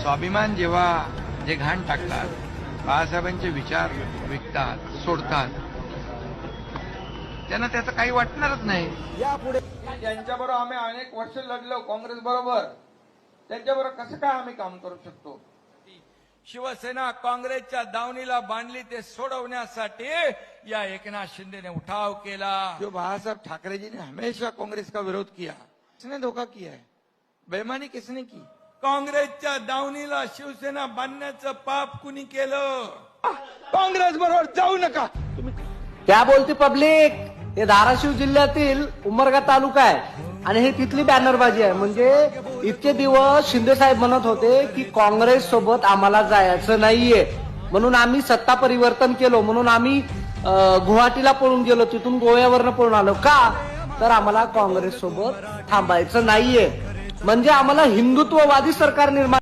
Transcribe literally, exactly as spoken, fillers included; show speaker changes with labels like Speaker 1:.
Speaker 1: स्वाभिमान जेव्हा जे घाण टाकतात, बाळासाहेबांचे विचार विकतात, सोडतात, त्यांना त्याचं काही वाटणारच नाही.
Speaker 2: यापुढे त्यांच्याबरोबर आम्ही अनेक वर्ष लढलो काँग्रेस बरोबर, त्यांच्याबरोबर कसं काय आम्ही काम करू शकतो? शिवसेना काँग्रेसच्या दावणीला बांधली ते सोडवण्यासाठी या एकनाथ शिंदेने उठाव केला. जो बाळासाहेब ठाकरे जी ने हमेशा कांग्रेस का विरोध किया, किसने धोखा किया है? बेईमानी किसने की? काँग्रेसच्या दावणीला शिवसेना बांधण्याचं पाप कुणी केलं? काँग्रेस बरोबर जाऊ नका तुम्ही.
Speaker 3: क्या बोलते पब्लिक? हे धाराशिव जिल्ह्यातील उमरगा तालुका आहे आणि हे तिथली बॅनरबाजी आहे. म्हणजे इतके दिवस शिंदे साहेब म्हणत होते की काँग्रेस सोबत आम्हाला जायचं नाहीये, म्हणून आम्ही सत्ता परिवर्तन केलो, म्हणून आम्ही गुवाहाटीला पळून गेलो, तिथून गोव्यावरनं पळून आलो. का तर आम्हाला काँग्रेस सोबत थांबायचं नाहीये, म्हणजे आम्हाला हिंदुत्ववादी सरकार निर्माण